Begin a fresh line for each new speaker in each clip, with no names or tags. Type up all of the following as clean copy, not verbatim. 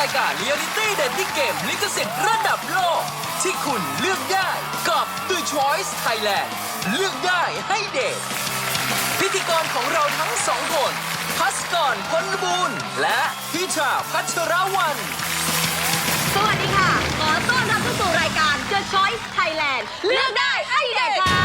ายการ Reality Dating Game ลิขสิทธิ์ระดับโลกที่คุณเลือกได้กับ The Choice Thailand เลือกได้ให้เดทพิธีกรของเราทั้งสองคนพัสกร พลบุญและพิชา พัชรวรรณ
สวัสดีค่ะ ขอต้อนรับเข้าสู่รายการ The Choice Thailand เลือกได้ให้เด็กค่ะ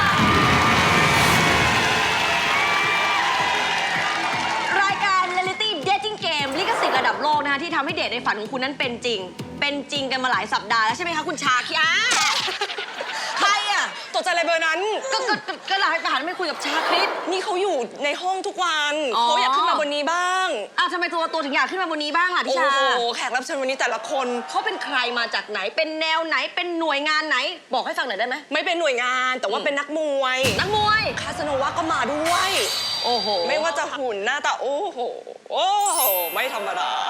รายการ Reality Dating Game ลิขสิทธิ์ระดับโลกนะคะที่ทำให้เดทในฝันของคุณนั้นเป็นจริงกันมาหลายสัปดาห์แล้วใช่ไหมคะคุณชาคิอาใครอ่ะตกใจอะไรเบอร์นั้นก็หลายไปหันไม่คุยกับชาคริสนี่เขาอยู่ในห้องทุกวันเขาอยากขึ้นมาบนนี้บ้างทำไมตัวถึงอยากขึ้นมาบนนี้บ้างล่ะพี่ชาโอ้โหแขกรับเชิญวันนี้แต่ละคนเขาเป็นใครมาจากไหนเป็นแนวไหนเป็นหน่วยงานไหนบอกให้ฟังหน่อยได้ไหมไม่เป็นหน่วยงานแต่ว่าเป็นนักมวยคาสโนวาก็มาด้วยโอ้โหไม่ว่าจะหุ่นหน้าตาโอ้โหไม่ธรรมดา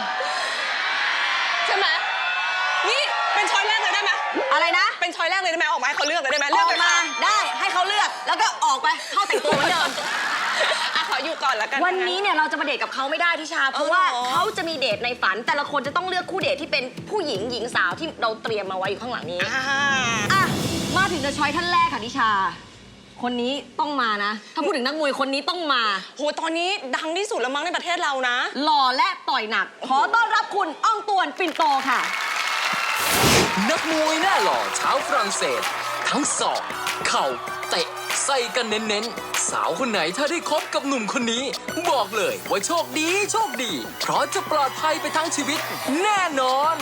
ใช่ไหมนี่เป็นช้อยแรกเลยได้ไหมอะไรนะเป็นช้อยแรกเลยได้ไหมออกมาให้เขาเลือกเลยได้ไหมเลือกมาได้ให้เขาเลือกแล้วก็ออกไปเข้าแต่งตัวเหมือนเดิมขออยู่ก่อนแล้วกันวันนี้เนี่ยเราจะมาเดทกับเขาไม่ได้ทิชาเพราะว่าเขาจะมีเดทในฝันแต่ละคนจะต้องเลือกคู่เดทที่เป็นผู้หญิงสาวที่เราเตรียมมาไว้อยู่ข้างหลังนี้มาถึงจะช้อยท่านแรกค่ะทิชาคนนี้ต้องมานะถ้าพูดถึงนักมวยคนนี้ต้องมาโหตอนนี้ดังที่สุดแล้วมั้งในประเทศเรานะหล่อและต่อยหนักขอต้อนรับคุณอ้องตวนปิ่นโตค่ะ
นักมวยหน้าหล่อชาวฝรั่งเศสทั้งศอกเข่าเตะใส่กันเน้นๆสาวคนไหนถ้าได้คบกับหนุ่มคนนี้บอกเลยว่าโชคดีเพราะจะปลอดภัยไปทั้งชีวิตแน่นอน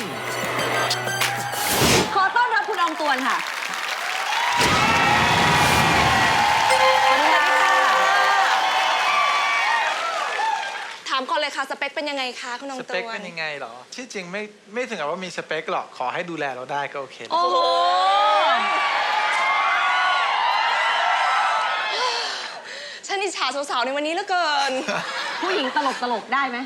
ขอต้อนรับคุณอองตวนค่ะถามก่อนเลยค่ะสเปคเป็นยังไงคะคุณน้องตัวส
เปคเป็นยังไงหรอที่จริงไม่ถึงกับว่ามีสเปคหรอกขอให้ดูแลเราได้ก็โอเค
โอ้โหฉันอิจฉาสาวๆในวันนี้เหลือเกินผู้หญิงตลกได้ไหม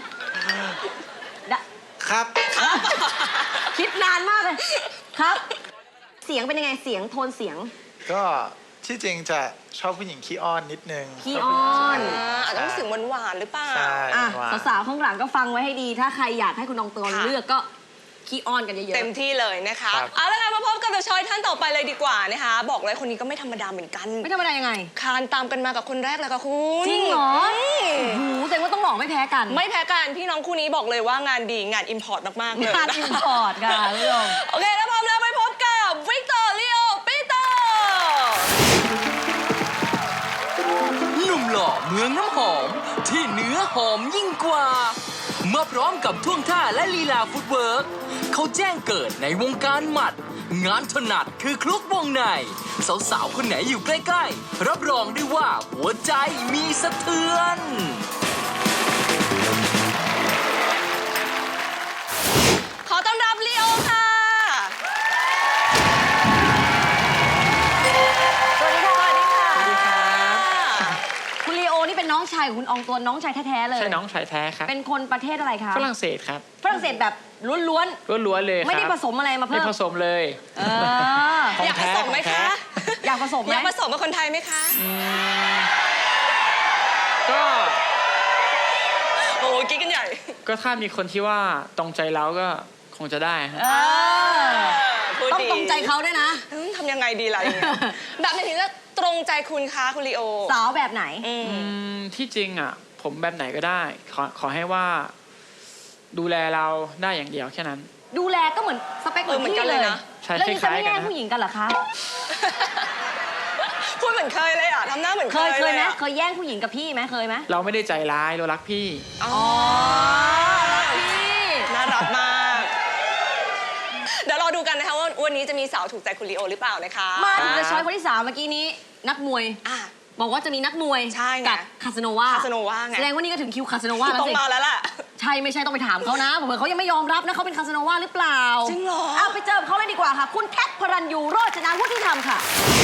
ครับ
คิดนานมากเลยครับเสียงเป็นยังไงเสียงโทนเสียง
ก็ที่จริงจะชอบผู้หญิงขี้อ้อนนิดนึง
ขี้อ้อนอาจจะต้องเสียงหวานหรือเปล่าสาวๆข้างหลังก็ฟังไว้ให้ดีถ้าใครอยากให้คุณน้องตัวเลือกก็ขี้อ้อนกันเยอะๆเต็มที่เลยนะคะเอาละค่ะมาพบกับเดอะชอยท่านต่อไปเลยดีกว่านะคะบอกเลยคนนี้ก็ไม่ธรรมดาเหมือนกันไม่ธรรมดายังไงคานตามกันมากับคนแรกเลยค่ะคุณจริงเหรอแสดงว่าต้องหล่อไม่แพ้กันพี่น้องคู่นี้บอกเลยว่างานดีงานอิมพอร์ตมากๆเลยงานอิมพอร์ตค่ะคุณผู้ชมโอเคแล้วพร้อมแล้วไปพบกับวิกเตอร์ลีโอปีเตอร์
หนุ่มหล่อเมืองน้ำหอมที่เนื้อหอมยิ่งกว่ามาพร้อมกับท่วงท่าและลีลาฟุตเวิร์กเขาแจ้งเกิดในวงการหมัดงานถนัดคือคลุกวงในสาวๆคนไหนอยู่ใกล้ๆรับรองได้ว่าหัวใจมีสะเทือน
ขอต้อนรับลีโอค่ะสวัสดีค่ะคุณลีโอนี่เป็นน้องชายของคุณอองตวนน้องชายแท้ๆเลย
ใช่น้องชายแท้ครับ
เป็นคนประเทศอะไรคะ
ฝรั่งเศสครับ
ฝรั่งเศสแบบล้วน
เลย
ไม่ได้ผสมอะไรมาเพิ่ม
ไม่ผสมเลย
อยากผสมไหมคะอยากผสมกับคนไทยไหมคะ
ก็
โอ้กิ๊กกันใหญ่
ก็ถ้ามีคนที่ว่าตรงใจเราก็คงจะได้
ต้องตรงใจเขาด้วยนะทำยังไงดีล่ะแบบไหนถึงจะตรงใจคุณคะคุณลีโอสาวแบบไหน
ที่จริงอ่ะผมแบบไหนก็ได้ขอให้ว่าดูแลเราได้อย่างเดียวแค่นั้น
ดูแลก็เหมือนสเปคเหมือนกันเลยนะ
แล้วนี่จะไม่แย่ง
ผู้หญิงกันเหรอคะพูดเหมือนเคยเลยอ่ะทำหน้าเหมือนเคยไหมเคยแย่งผู้หญิงกับพี่ไหมเคยไหม
เราไม่ได้ใจร้ายเรารักพี่
รักพี่น่ารักมากเดี๋ยวรอดูกันนะคะว่าวันนี้จะมีสาวถูกใจคุณลีโอหรือเปล่านะคะมาถึงจะช้อยคนที่3เมื่อกี้นี้นักมวยบอกว่าจะมีนักมวยกับคาสโนวาไงแสดงว่านี่ก็ถึงคิวคาสโนวาแล้วสิต้องมาแล้วล่ะใช่ไม่ใช่ต้องไปถามเขานะเผื่อเขายังไม่ยอมรับนะเขาเป็นคาสโนวาหรือเปล่าจริงเหรอไปเจอเขาเลยดีกว่าค่ะคุณแคทพรัญยูโรจนาวุฒิธรรมค่ะ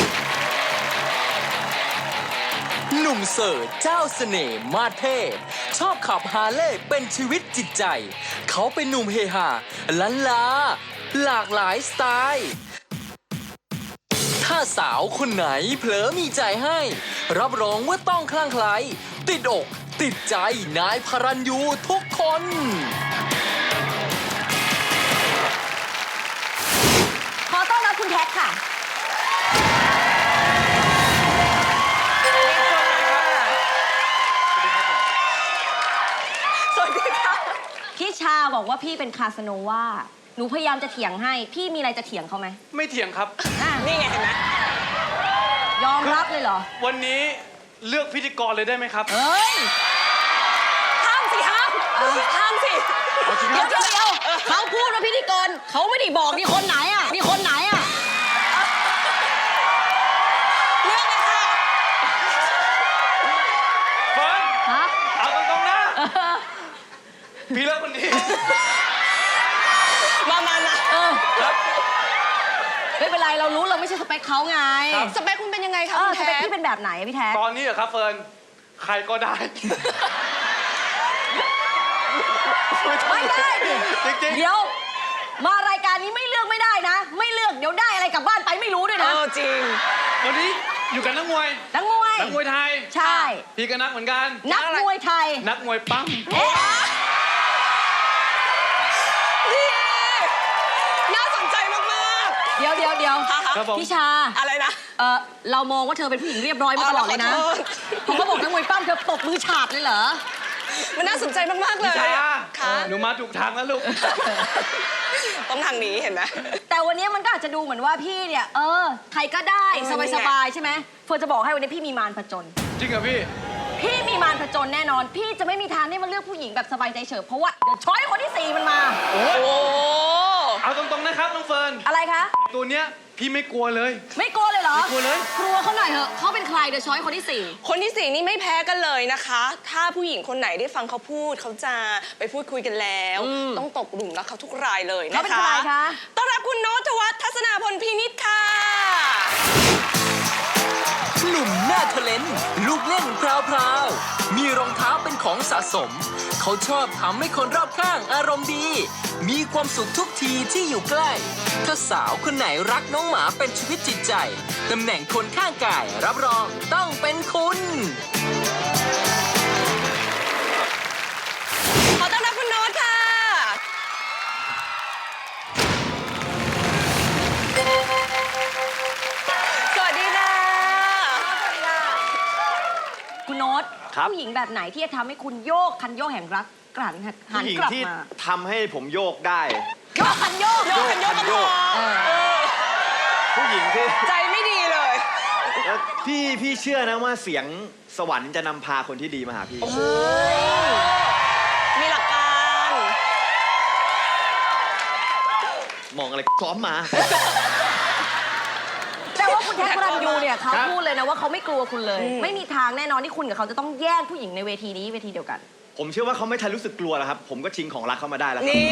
หนุ่มเสิร์ฟเจ้าเสน่ห์มาเทพชอบขับฮาร์เลย์เป็นชีวิตจิตใจเขาเป็นหนุ่มเฮฮาล้านลาหลากหลายสไตล์ถ้าสาวคนไหนเผลอมีใจให้รับรองว่าต้องคลั่งไคล้ติดอกติดใจนายพรัญยูทุกคน
พี่ชาบอกว่าพี่เป็นคาสโนวาหนูพยายามจะเถียงให้ พี่มีอะไรจะเถียงเขาไหม
ไม่เถียงครับ
นี่ไงเห็นไหมยอมรับเลยเหรอ
วันนี้เลือกพิธีกรเลยได้ไหมครับ
เฮ้ย ห้ามสิห้ามห้ามสิ
เอาจริง
เดี๋ยว
ครับ
เดี๋ยวเขาพูดว่าพิธีกรเขาไม่ได้บอกนี่คนไหนอ่ะนี่คนไหนอ่ะเรื่องเลยค่ะ
เฟิร์น
ฮะ
เอาตรงๆนะ พี่เลือกคนนี้
มา
ครับ
ไม่เป็นไรเรารู้เราไม่ใช่สเปคเขาไง
ครับ
สเปคคุณเป็นยังไงคะสเปคพี่เป็นแบบไหนอะพี่แท็ก
ตอนนี้เหรอครับเฟิร์น ใครก็ได้
ไม่ได้ดิ
จริงๆ
เดี๋ยว มารายการนี้ไม่เลือกไม่ได้นะ ไม่เลือกเดี๋ยวได้อะไรกลับบ้านไปไม่รู้ด้วยนะจริง
วันนี้อยู่กับนักมวย
นักมวย
นักมวยไทย
ใช่
พี่ก็นักเหมือนกัน
นักมวยไทย
นักมวยปั้ม
เอ๊ะ
น่าสนใจมากๆ
เดี๋ยว
ครับผม
พี่ชา
อะไรนะ
เรามองว่าเธอเป็นผู้หญิงเรียบร้อยมาตลอดเลยนะ
ขอโทษ
พอเขาบอกนักมวยปั้มเธอตบมือฉาบเลยเหรอ
มันน่าสนใจมากๆเล
พี่
ย
ชา
ค่ะ
หนูมาถูกทางแล้วลูก
ต้องทางนี้เห็นไหม
แต่วันนี้มันก็อาจจะดูเหมือนว่าพี่เนี่ยใครก็ได้
เออนี่
ส
ไง
บายๆใช่ไหมเฟิร์นจะบอกให้วันนี้พี่มีมารผจญ
จริงเหรอพี่
พี่มีมารผจญแน่นอน พี่จะไม่มีทางได้มาเลือกผู้หญิงแบบสบายใจเฉิบเพราะว่าเดี๋ยวช้อยคนที่ 4 มันมา
โอ้
โอ้
เอาตรงๆนะครับน้องเฟิร์น
อะไรคะ
ตัวเนี้ยพี่ไม่กลัวเลย
ไม่กลัวเลยเหรอ
ไม่กลัวเลย
กลัวเขาหน่อยเถอะเขาเป็นใครเดี๋ยวช้อยคนที่
คนที่สี่นี่ไม่แพ้กันเลยนะคะ ถ้าผู้หญิงคนไหนได้ฟังเขาพูดเขาจะไปพูดคุยกันแล้ว ต้องตกหลุมรักเขาทุกรายเลย
4
นะคะ
เขาเป็นใครคะ
ต้อนรับคุณโนตวัฒน์ทัศนาพลพินิจค่ะ
หนุ่มหน้าเทเลนต์ลูกเล่นพราวๆมีรองเท้าเป็นของสะสม เขาชอบทำให้คนรอบข้างอารมณ์ดี มีความสุขทุกทีที่อยู่ใกล้ ถ้าสาวคนไหนรักน้องหมาเป็นชีวิตจิตใจ ตำแหน่งคนข้างกายรับรองต้องเป็นคุณ
ขอต้อนรับคุณโน้ตค่ะ สวัสดีค่ะ
คุณโน้ต
ครับ
ผู้หญิงแบบไหนที่จะทำให้คุณโยกคันโยกแห่งรักกลั่นหั
ผู้
น
หญิง
กลับ
ที่
มา
ทำให้ผมโยกได้
โยกคันโยก
โยกกันโยกกันพอ
ผู้หญิงที่
ใจไม่ดีเลย
แล้วพี่เชื่อนะว่าเสียงสวรรค์จะนำพาคนที่ดีมาหาพี่
มีหลักการ
มองอะไรซ้อมมา
แต่ว่าคุณแท็กพระรันยูเนี่ยเขา
ครับ
พูดเลยนะว่าเขาไม่กลัวคุณเลย ไม่มีทางแน่นอนที่คุณกับเขาจะต้องแย่งผู้หญิงในเวทีนี้เวทีเดียวกัน
ผมเชื่อว่าเขาไม่ทันรู้สึกกลัวแล้วครับ ผมก็ชิงของรักเขามาได้แล้วครับ
นี่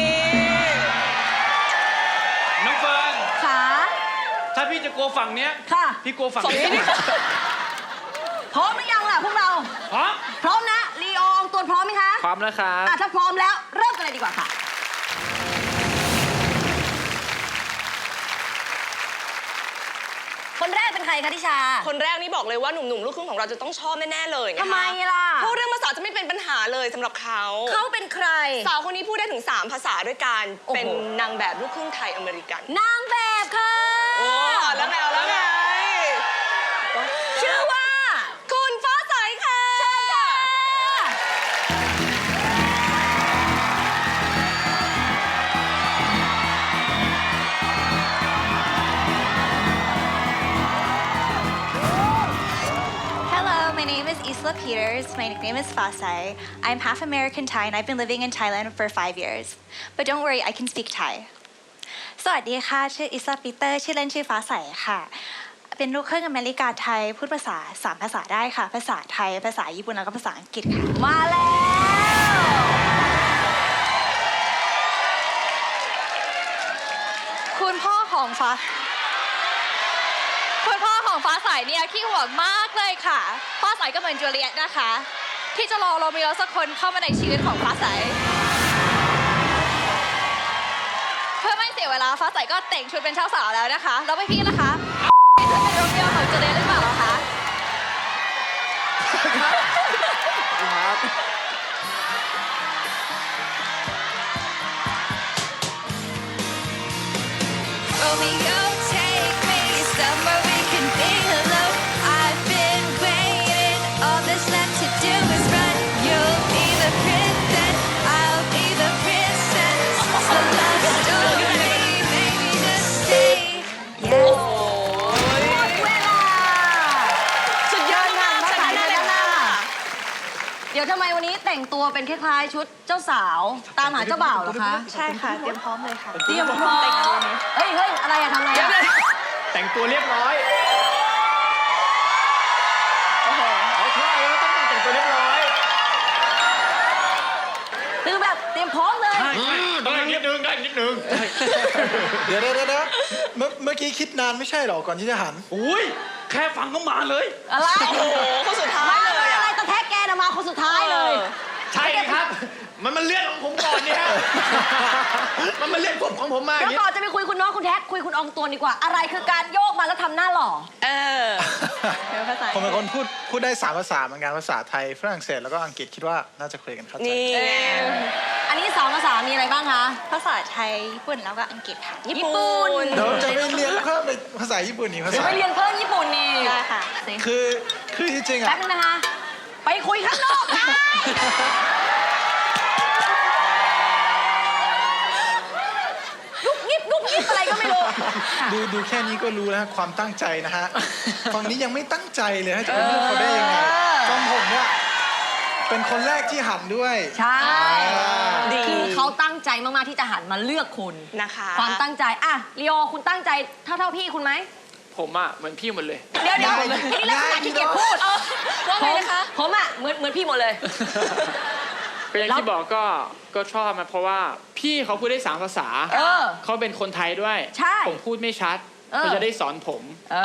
น้องเฟิร์น
ขา
ถ้าพี่จะกลัวฝั่งเนี้ย
ค่ะ
พี่กลัวฝั่ง
ฝั่งนี้
นี้
ดิ
พร้อมหรือยังล่ะพวกเรา
พร้อม
พร้อมนะลีอองตัวพร้อมไหมคะ
พร้อมแล้วครับ
ถ้าพร้อมแล้วเริ่มกันเลยดีกว่าค่ะ คนแรกเป็นใครคะทิชา
คนแรกนี่บอกเลยว่าหนุ่มๆลูกครึ่งของเราจะต้องชอบแน่ๆเลยนะคะ
ทำไมล่ะ
เพราะเรื่องภาษาจะไม่เป็นปัญหาเลยสำหรับเขา
เขาเป็นใคร
สาวคนนี้พูดได้ถึง 3 ภาษาด้วยกัน
โอ้โห
เป็นนางแบบลูกครึ่งไทยอเมริกัน
นางแบบค่ะ
โอ้แล้วไงเอาแล้วไง
ชื่อว่า
คุณฟ้าใสค่ะ
เชิญค่ะ
Hello, my name is Isla Peters. My nickname is Fasai. I'm half American Thai and I've been living in Thailand for 5 years. But don't worry, I can speak Thai. สวัสดีค่ะ ชื่ออิสลาปีเตอร์ ชื่อเล่นชื่อฟ้าใสค่ะ เป็นลูกครึ่งอเมริกาไทย พูดภาษา 3 ภาษาได้ค่ะ ภาษาไทย ภาษาญี่ปุ่น แล้วก็ภาษาอังกฤษค่ะ
มาแล้ว
คุณพ่อของฟ้าใสเนี่ยขี้ห่วงมากเลยค่ะ ฟ้าใสก็เหมือนจูเลียตนะคะ ที่จะรอโรมิโอสักคนเข้ามาในชีวิตของฟ้าใส เพื่อไม่เสียเวลาฟ้าใสก็แต่งชุดเป็นเจ้าสาวแล้วนะคะ แล้วพี่ล่ะคะจะเป็นโรมิโอของจูเลียตหรือเปล่าคะ Romeo, take me somewhere we can be alone. I've been waiting, all that's left to do is run. You'll be the princess, I'll be the prince.
ตัวเป็นคล้ายๆชุดเจ้าสาวตามหาเจ้าบ่าวเหรอคะ
ใช่ค่ะ เตรียมพร้อมเลยค่ะ
เตรียมพร้อมเฮ้ยอะไรอะทำอะไรอะ
แต่งตัวเรียบร้อยเอาใช่แล้วต้องแต่งตัวเรียบร้อย
คือแบบเตรียมพร้อมเลย
ต้องนิดนึงได้นิดนึง
เดี๋ยวเมื่อกี้คิดนานไม่ใช่หรอก่อนที่จะหัน
อุ้ยแค่ฟังก็มาเลย
อะไร
โอ้โหคนสุดท้ายเลย
อะไร
อะ
ตะแทกแกนะมาคนสุดท้ายเลย
ใช่ครับ มันเลื่อนของผมก่อนเนี่ยมันเลื่อนผมของผมมาอ
เดี๋
ย่าง
ยว
นี้
ก่อนจะไปคุยคุณโน้ตคุณแท็กคุยคุณอองตวนดีกว่า อะไรคือการโยกมาแล้วทำหน้าหล่อ
เออ
ผมเป็นคนพูดได้3 ภาษาเหมือนกันภาษาไทยฝรั่งเศสแล้วก็อังกฤษคิดว่าน่าจะคุยกันเข้าใจ
นี่ไง
อันนี้2 ภาษามีอะไรบ้างคะ
ภาษาไทย ญี่ปุ่น แล้วก็อังกฤษค่ะ
ญี่ปุ่น
เดี๋ยวจะไปเรียนเพิ่มในภาษาญี่ปุ่นอีกภา
เดี๋ยว
ษา
ไปเรียนเพิ่มญี่ปุ่นนี่
ได้ค่ะ
คือที่จริง
แป๊
อ่ะ
บนึงนะคะ ไปคุยข้างนอกค่ะลุกยิบอะไรก็ไม่รู้
ดูแค่นี้ก็รู้แล้วความตั้งใจนะฮะฝั่งนี้ยังไม่ตั้งใจเลยให้จะไปเลือกเขาได้ยังไงฝั่งผมเนี่ยเป็นคนแรกที่หันด้วย
ใช่
ดี
คือเขาตั้งใจมากๆที่จะหันมาเลือกคุณ
นะคะ
ความตั้งใจอ่ะลีโอคุณตั้งใจเท่าพี่คุณไหม
ผมอ่ะเหมือนพี่หมดเลย
เดี๋ยวไอ้นี่ลักษณะขี้เกียจพูด
ว่าไงนะคะ
ผมอ่ะเหมือนพี่หมดเลย
เป็นอย่างที่บอกก็ชอบมาเพราะว่าพี่เขาพูดได้3 ภาษา
เออ
เขาเป็นคนไทยด้วย
ใช่
ผมพูดไม่ชัด
เออ
เขาจะได้สอนผม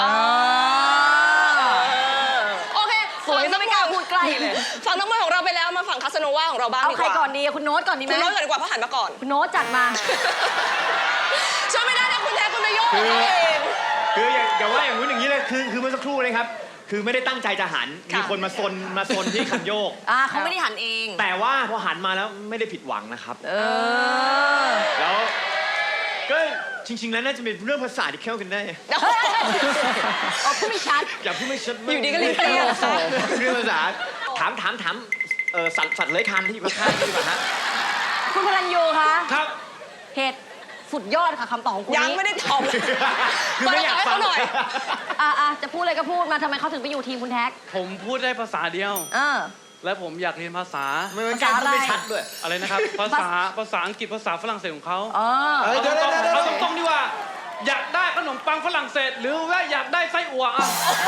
โอเคสวยซะไม่กล้าพูดใกล้เลย
ฝั่งน้องมวยของเราไปแล้วมาฝั่งคาสโนวาของเราบ้าง
เอา
ดี
ใค
ก
ร
ว่า
ก่อนดีคุณโน้ตก่อนดีไหม
คุณโน้ตก่อนดีกว่าเพราะหันมาก่อน
คุณโน้ตจัดมา
ช่วยไม่ได้นะคุณแท้คุณไปโยก
คือ
เขาเอง
คืออย่าว่าอย่างนู้นอย่างนี้เลยคือเมื่อสักครู่เลยครับ คือไม่ได้ตั้งใจจะหัน มีคนมาซนที่คันโยก
เขาไม่ได้หันเอง
แต่ว่าพอหันมาแล้วไม่ได้ผิดหวังนะครับ
อ
แล้วก็จริง ๆ แล้วน่าจะเป็นเรื่องภาษาที่เข้ากันได้
เอาพูดไม่ชัด
อย่าพูดไม่ชัด
อยู่ดีก็เลยเปรี้ยว
เรื่องภาษาถามสัตว์เลื้อยคลานที่อยู่ข้างๆดีกว่าฮะ
คุณพลัญยูคะ
ครับ
เหตุสุดยอดค่ะคำตอบของคุณ
ยัง
นี้
ไม่ได้ตอบ
คือไม่อยากฟัง
เปิดโอกาสให้เขาหน่อย
จะพูดอะไรก็พูดมาทำไมเขาถึงไปอยู่ทีมคุณแท็ก
ผมพูดได้ภาษาเดียว
เออ
และผมอยากเรียนภาษา
ไม่เป็นการพูดไม่ชัดด้วย
อะไรนะครับ ภาษาอังกฤษภาษาฝรั่งเศสของเขา
เออ
เดี๋ยว
เอาตรงๆดีกว่า อยากได้ขนมปังฝรั่งเศส หรือว่าอยากได้ไส้อั่วอ่ะ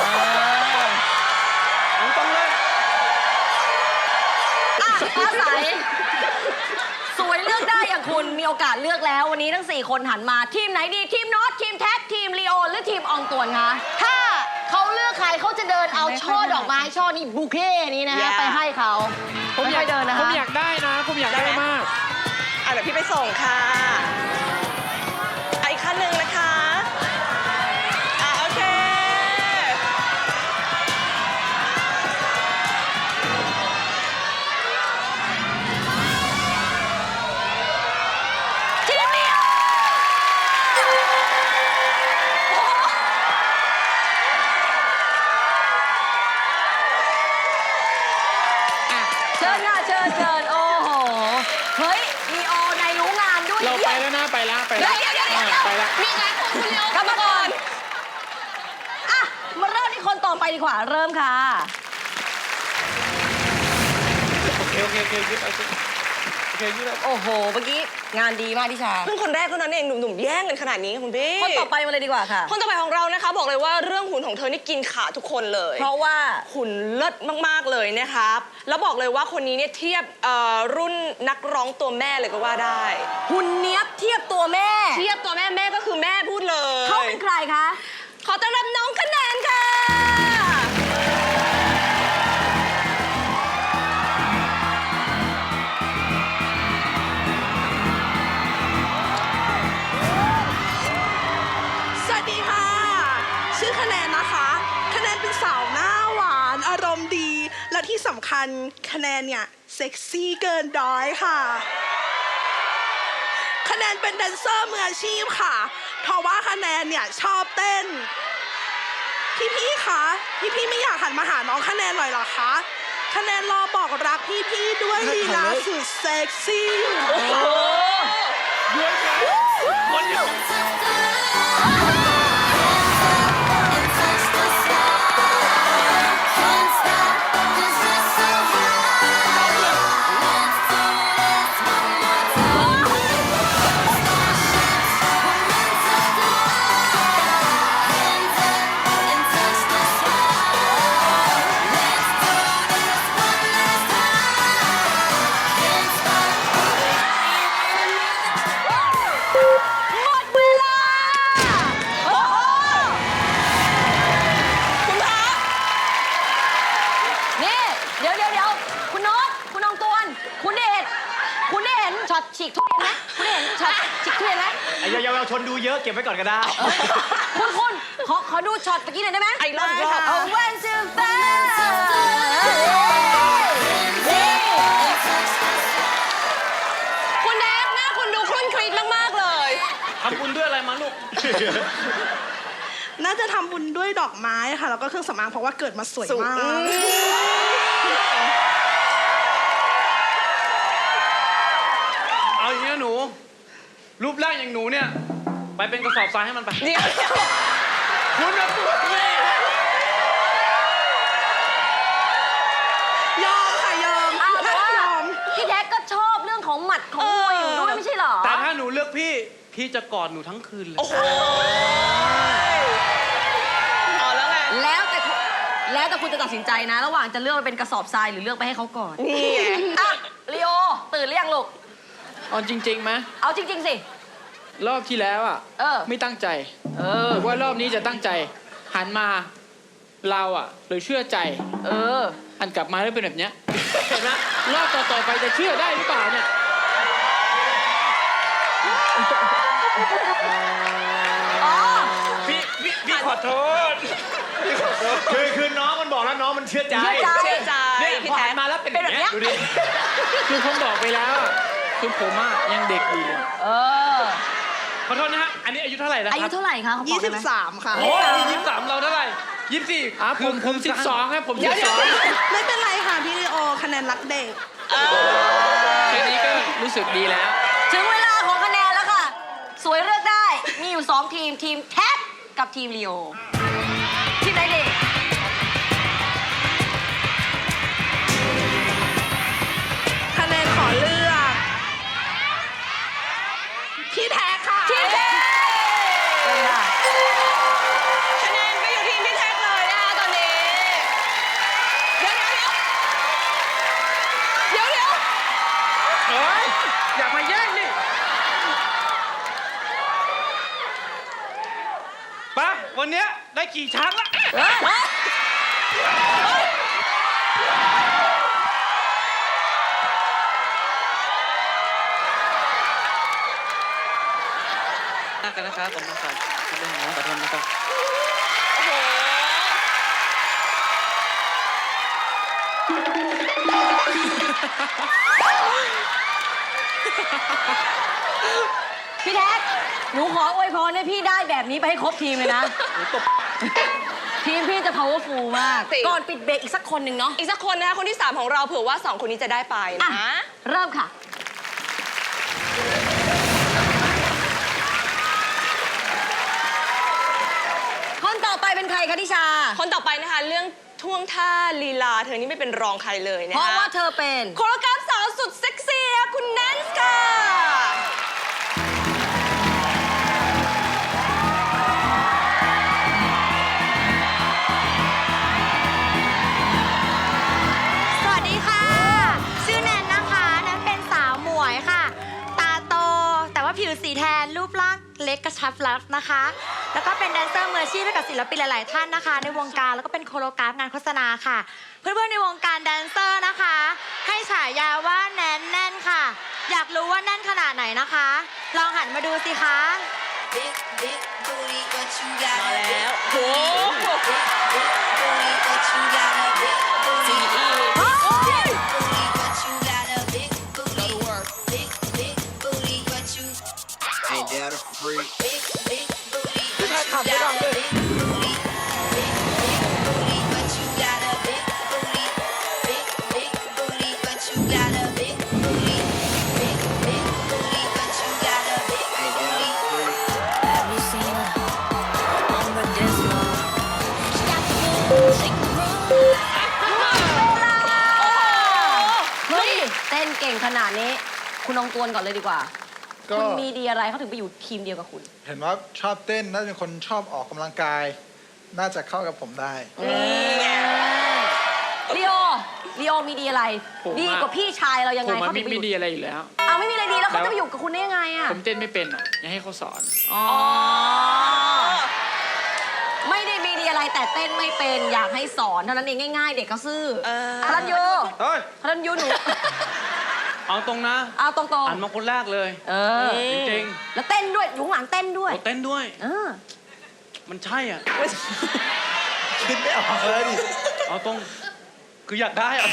เอาตรงเลย
ฟ้าใสสวยเลือกได้อย่างคุณมีโอกาสเลือกแล้ววันนี้ทั้ง 4 คนหันมาทีมไหนดีทีมโน้ตทีมแท็กทีมลีโอหรือทีมอองตวนคะถ้าเขาเลือกใครเขาจะเดินเอาช่อดอกไม้ช่อนี้บูเก้นี้นะฮะ
Yeah
ไปให้เขาไม่ค่อยเดินนะ
ผม
คะ
อยากได้นะ ผมอยากได้มาก
เดี๋ยวพี่ไปส่งค่ะอีกขั้นหนึ่งนะคะโอเค
ทีมลีโอเชิญค่ะเชิญโอ้โหเฮ้ยลีโอนายรู้งานด้วย
เราไปแล้วนะไปแล้ว
เดี๋ยว
ไปแล้ว
มีงานของคุณลีโอกลับมาก่อนอ่ะมาเริ่มที่คนต่อไปดีกว่าเริ่มค่ะ
โอเคยืดได้
โอ้โหเมื่อกี้งานดีมากที่ชา
เพิ่งคนแรกเท่านั้นเองหนุ่มๆแย่งกันขนาดนี้คุณพี่
คนต่อไปมาเลยดีกว่าค่ะ
คนต่อไปของเรานะคะ บอกเลยว่าเรื่องหุ่นของเธอนี่กินขาทุกคนเลย
เพราะว่า
หุ่นเลิศมากๆเลยนะครับ แล้วบอกเลยว่าคนนี้เนี่ยเทียบรุ่นนักร้องตัวแม่เลยก็ว่าได้
หุ่นเนี้ยบเทียบตัวแม่
เทียบตัวแม่แม่ก็คือแม่พูดเลย
เขาเป็นใครคะ
ขอต้อนรับน้องคะแนนค่ะ
สวัสดีค่ะ ชื่อคะแนนนะคะ คะแนนเป็นสาวหน้าหวานอารมณ์ดี และที่สำคัญคะแนนเนี่ยเซ็กซี่เกินร้อยค่ะ คะแนนเป็นแดนเซอร์มืออาชีพค่ะ เพราะว่าคะแนนเนี่ยชอบเต้น พี่ๆคะพี่ๆไม่อยากหันมาหาน้องคะแนนหน่อยเหรอคะ คะแนนรอบอกรักพี่ๆด้วยลีลาสุดเซ็กซี่อยู่นะคะ
เ
เยาวชนดูเยอะเก็บไว้ก่อนก็ได้
คุณขอดูช็อตเมื่อกี้หน่อยได้ไหม
อีกรอบอีกรอบ
เอา one two five
คุณแดกหน้าคุณดูครุ่นครีดมาก ๆ เลย
ทำบุญด้วยอะไรมาลูก
น่าจะทำบุญด้วยดอกไม้ค่ะ แล้วก็เครื่องสำอางเพราะว่าเกิดมาสวยมาก
เอาอย่างนี้นะหนู รูปร่างอย่างหนูเนี่ย ไปเป็นกระสอบทรายให้มันไป
เดี๋ยว
คุณนะตัวแม่
ยอมค่ะยอม
อ้าวแต่ว่าย
อม
พี่แท็กก็ชอบเรื่องของหมัดของมวยอยู่ด้วยไม่ใช่เหรอ
แต่ถ้าหนูเลือกพี่จะกอดหนูทั้งคืนเลย
โอ้โหเอาแล้วไง
แล้วแต่คุณจะตัดสินใจนะ ระหว่างจะเลือกไปเป็นกระสอบทรายหรือเลือกไปให้เขาก่อน
นี่ไง
อ่ะลีโอตื่นหรือยังลูก
เอาจริงๆไหม
เอาจริง ๆ สิ
รอบที่แล้วอ่ะ
เออ
ไม่ตั้งใจหรือว่ารอบนี้จะตั้งใจ หันมาเราอ่ะเลยเชื่อใจ หันกลับมาแล้วเป็นแบบเนี้ยเห็นไหมรอบต่อๆไปจะเชื่อได้หรือเปล่าเนี่ย
พี่ขอโทษ
คือน้องมันบอกแล้วน้องมันเชื่อใจ
เชื่อใจ
เชื่อใจ
เนี่ย
พี่
พอ
แท็
หั
ก
นมาแล้วเป็นอย่างเงี้ย
เป็นแบบเนี้ย
ดูดิ
คือผมบอกไปแล้วอะคือผมอะยังเด็กอยู่
ขอโทษนะฮะ อันนี้อายุเท่าไหร่แล้ว
อา
ค
ยุ
รับ
เท่าไหร่คะเขาบอกได้ไหม
23 ค่ะ
โอ้ย23เราเท่าไหร่24
อ่ะผม12ครับผม
เดี๋ยว
12
ไม่เป็นไรค่ะพี่ลีโอคะแนนรักเด็ก
แค่นี้ก็รู้สึกดีแล้ว
ถึงเวลาของคะแนนแล้วค่ะ สวยเลือกได้ มีอยู่ 2 ทีม ทีมแท็กกับทีมลีโอ ทีมไหนดี
คะแนนขอเลือก พี่แท็กค่ะ
ทีมแท็กเลยค่ะ
คะแนนไปอยู่ทีมพี่แท็กเลยนะคะตอนนี้ เดี๋ยว
เฮ้ย อยากมาแย่งนี่ไปะวันเนี้ยได้กี่ช้างละ กันนะครับผมนะครับเรื่องของขอโทษนะครับ
โอ้โห
พี่แท็ก หนูขออวยพรให้พี่ได้แบบนี้ไปให้ครบทีมเลยนะ ทีมพี่จะ powerful มาก
จริง
ก่อนปิดเบรกอีกสักคนหนึ่งเนาะ
อีกสักคนนะคะคนที่ 3 ของเราเผื่อว่า 2 คนนี้จะได้ไป
อ่ะ
นะ
เริ่มค่ะ คนต่อไปเป็นใครคะทิชา
คนต่อไปนะคะ เรื่องท่วงท่าลีลาเธอนี่ไม่เป็นรองใครเลยนะ
เพ
คะ
ราะว่าเธอเป็น
โคโรกราฟสาวสุดเซ็กซี่คุณแนนซ์ค่ะ
สวัสดีค่ะ ชื่อแนนนะคะแนนเป็นสาวหมวยค่ะ ตาโต แต่ว่าผิวสีแทนรูปร่างเล็กกระชับรัดนะคะ แล้วก็เป็นแดนเซอร์มืออาชีพให้กับศิลปินหลาย ๆ ท่านนะคะ ในวงการแล้วก็เป็นโคโรกราฟงานโฆษณาค่ะ เพื่อน ๆ ในวงการแดนเซอร์นะคะ ให้ฉายาว่าแนนแน่นค่ะ อยากรู้ว่าแน่นขนาดไหนนะคะ ลองหันมาดูสิคะ
มาแล้วโอ้โห
เฮ้ย เต้นเก่งขนาดนี้ คุณลองกวนก่อนเลยดีกว่า
ก็
คุณมีดีอะไรเขาถึงไปอยู่ทีมเดียวกับคุณ
เห็นว่าชอบเต้นน่าจะเป็นคนชอบออกกำลังกาย น่าจะเข้ากับผมได้
ลีโอมีดีอะไร
ผมอะ
ดีกว่าพี่ชายเรายัง
ผ
ไง
ม
เขา
อะ
ถึงไป
ไม่
อยู่
ดีอะไรอยู่แล้ว
เอาไม่มีอะไรดีแล้วเขาจะไปอยู่กับคุณได้ยังไงอ่ะ
ผมเต้นไม่เป็นอะอย่าให้เขาสอน
อ๋อ ไม่ได้มีดีอะไรแต่เต้นไม่เป็นอยากให้สอนเท่านั้นเองง่ายๆ เด็กเขาซื่อพลันยู
เฮ้ย
พลันยูหนู
อเอาตรงนะ
เอาตรง
หันมาคนแรกเลย
ๆ เออ
จริง
แล้วเต้นด้วยอยู่ข้างหลังเต้นด้
ๆ
วย
เราเต้นด้วย
เออ
มันใช่อ่ะ
คิดไม่ออกเลยดิ
เอาตรง คืออยากได้อะ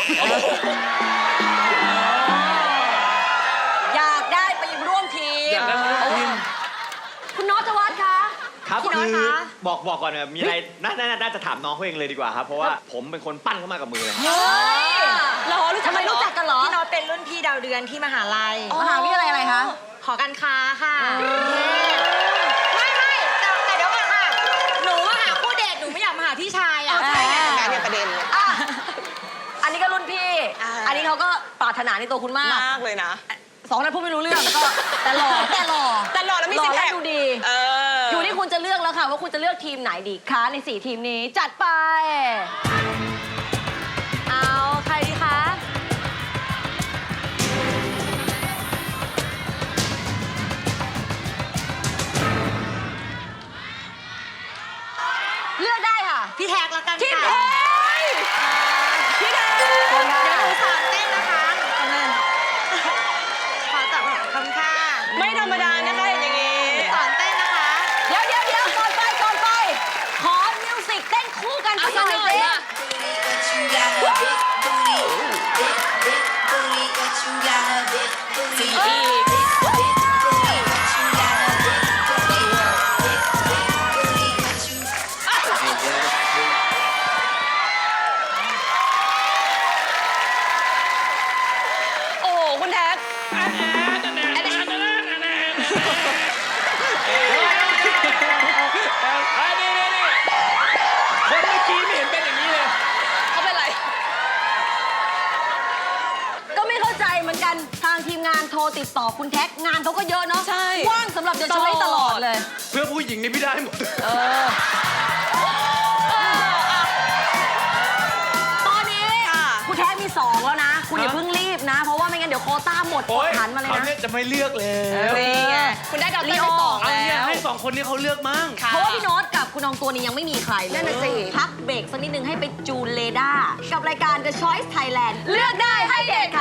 อยากได้ไปร่วมทีม
อยากได้มาร่วมทีม
คุณน็อตวัฒน์คะ
ครับ
พี่น็อต
คือ
คะ
บอกก่อนมีอะไรน่าจะถามน้องเขาเองเลยดีกว่าครับ เพราะว่าผมเป็นคนปั้นเขามากับมือเลย
เฮ้ยเหรอทำไมรู้จักกันเหรอ
พี่น็อตเป็นรุ่นพี่ดาวเดือนที่มหาลัย
มหาวิทยาลัยอะไรคะ
หอการค้าค่ะไม่แต่เดี๋ยวก่อนค่ะ หนูมาหาคู่เดทหนูไม่อยากมาหาพี่ชายอ่ะ
ใช่ไงงานเนี่ยประเด็นเลย
อ่ะอันนี้ก็รุ่นพี่ อันนี้เขาก็ปรารถนาในตัวคุณมาก
มากเลยนะ
สองนั้นพูดไม่รู้เรื่องก็แต่หล่อ
แต่หล่อแล้วมี
หล่
ซิ
อก
แพ
และ
ค
ดูดี
อ
อยู่ที่คุณจะเลือกแล้วค่ะ ว่าคุณจะเลือกทีมไหนดีคะใน 4 ทีมนี้ จัดไป เอาใครดีคะ เลือกได้ค่ะ
พี่แท็กละกัน
ทีม
ค่ะ
ไทยพี่แดง
เดี๋ยวหนูสอนเต้นนะคะขอจับคำค่ะ
ไม่ธรรมดานะคะเห็นอย่างนี้
สอนเต้นนะคะ
เดี๋ยวก่อนไป ขอมิวสิกเต้นคู่กันสักหน่อยสิ
โอ้โหคุณแท็ก
คนเมื่อกี้ไม่เห็นเป็นอย่างนี้เลย
เขาเป็นไร
ก็ไม่เข้าใจเหมือนกันทางทีมงานโทรติดต่อคุณแท็กงานเขาก็เยอะเนาะ
ใช่
ว่างสำหรับจะช้อยตลอดเลย
เพื่อผู้หญิงนี่พี่ได้หมด
ตอนนี้คุณแท็กมี 2 แล้วนะ คุณอย่าเพิ่งรีบนะ เพราะว่าไม่งั้นเดี๋ยวโควต้าหมดก
โอ๊
ด
ย
หันมาเลย
เขา
นะ
เนี่ยจะไม่เลือกเลย
นี่ไงคุณได้ดาวเต้นไปสอง
เอา
แล้
เนี่ยว ให้ 2 คนนี้เขาเลือกมั่ง
เพราะว่าพี่โน้ตกับคุณอองตัวนี้ยังไม่มีใครเลย
นั่นน่ะสิ
พักเบรกสักนิดนึงให้ไปจูนเรดาร์กับรายการ The Choice Thailand เลือกได้ให้เด็ด